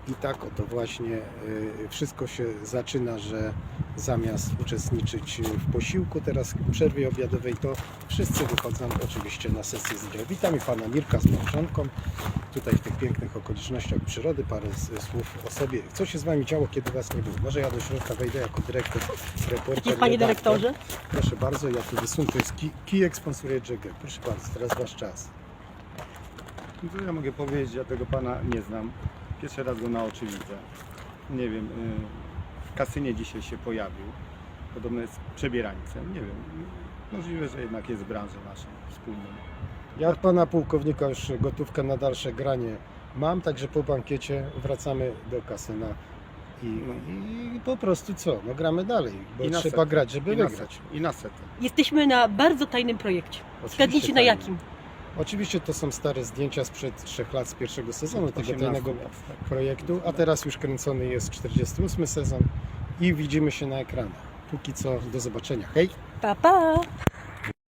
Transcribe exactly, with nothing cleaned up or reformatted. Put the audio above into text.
I tak oto właśnie y, wszystko się zaczyna, że zamiast uczestniczyć w posiłku teraz w przerwie obiadowej, to wszyscy wychodzą oczywiście na sesję zdrowia. Witam i pana Mirka z małżonką tutaj w tych pięknych okolicznościach przyrody. Parę z- słów o sobie. Co się z wami działo, kiedy was nie było? Może ja do środka wejdę jako dyrektor, reporter. Jest panie redaktor. dyrektorze? Proszę bardzo, ja tu wysunę. To jest ki- kijek sponsoruje J G. Proszę bardzo, teraz wasz czas. No co ja mogę powiedzieć, ja tego pana nie znam. Pierwszy raz go na oczy widzę. Nie wiem, y, w kasynie dzisiaj się pojawił. Podobno jest przebierańcem. Nie wiem, możliwe, że jednak jest w branży naszej wspólnej. Ja od pana pułkownika już gotówkę na dalsze granie mam, także po bankiecie wracamy do kasyna i, i po prostu co, no gramy dalej, bo I na trzeba setę. grać, żeby I na wygrać. setę. I na setę. Jesteśmy na bardzo tajnym projekcie. Oczywiście Zgadnijcie na tajnym. jakim. Oczywiście to są stare zdjęcia sprzed trzech lat z pierwszego sezonu tego osiemnastu tajnego lat, tak. projektu, a teraz już kręcony jest czterdziesty ósmy sezon i widzimy się na ekranach. Póki co, do zobaczenia. Hej! Pa, pa!